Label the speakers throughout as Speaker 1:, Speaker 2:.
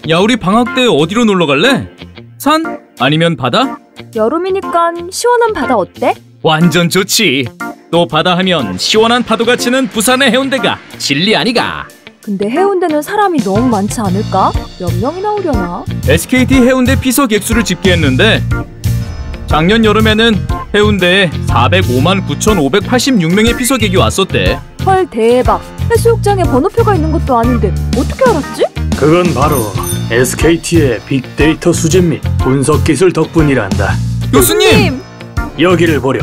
Speaker 1: 야, 우리 방학 때 어디로 놀러 갈래? 산? 아니면 바다?
Speaker 2: 여름이니까 시원한 바다 어때?
Speaker 1: 완전 좋지. 또 바다 하면 시원한 파도가 치는 부산의 해운대가 진리 아니가?
Speaker 2: 근데 해운대는 사람이 너무 많지 않을까? 몇 명이나 오려나?
Speaker 1: SKT 해운대 피서 객수를 집계했는데 작년 여름에는 해운대에 405만 9,586명의 피서객이 왔었대.
Speaker 2: 헐, 대박. 해수욕장에 번호표가 있는 것도 아닌데 어떻게 알았지?
Speaker 3: 그건 바로 SKT의 빅데이터 수집 및 분석 기술 덕분이란다.
Speaker 1: 교수님!
Speaker 3: 여기를 보렴.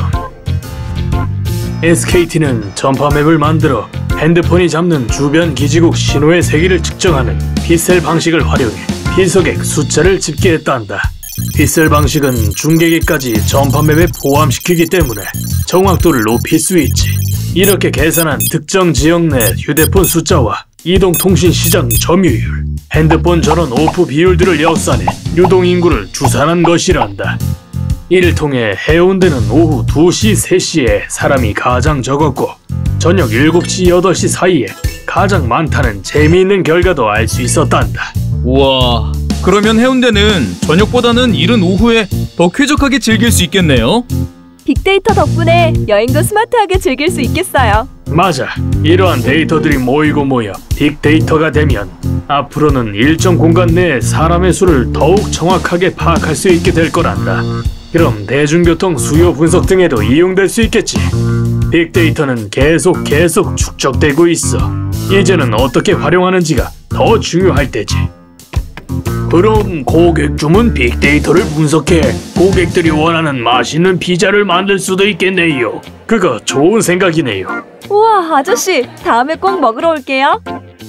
Speaker 3: SKT는 전파맵을 만들어 핸드폰이 잡는 주변 기지국 신호의 세기를 측정하는 빗셀 방식을 활용해 피서객 숫자를 집계했단다. 빗셀 방식은 중계기까지 전파맵에 포함시키기 때문에 정확도를 높일 수 있지. 이렇게 계산한 특정 지역 내 휴대폰 숫자와 이동통신 시장 점유율, 핸드폰 전원 오프 비율들을 역산해 유동인구를 추산한 것이란다. 이를 통해 해운대는 오후 2시, 3시에 사람이 가장 적었고 저녁 7시, 8시 사이에 가장 많다는 재미있는 결과도 알 수 있었단다.
Speaker 1: 우와, 그러면 해운대는 저녁보다는 이른 오후에 더 쾌적하게 즐길 수 있겠네요?
Speaker 2: 빅데이터 덕분에 여행도 스마트하게 즐길 수 있겠어요.
Speaker 3: 맞아. 이러한 데이터들이 모이고 모여 빅데이터가 되면 앞으로는 일정 공간 내에 사람의 수를 더욱 정확하게 파악할 수 있게 될 거란다. 그럼 대중교통 수요 분석 등에도 이용될 수 있겠지. 빅데이터는 계속 축적되고 있어. 이제는 어떻게 활용하는지가 더 중요할 때지. 그럼 고객 주문 빅데이터를 분석해 고객들이 원하는 맛있는 피자를 만들 수도 있겠네요. 그거 좋은 생각이네요.
Speaker 2: 우와, 아저씨, 다음에 꼭 먹으러 올게요.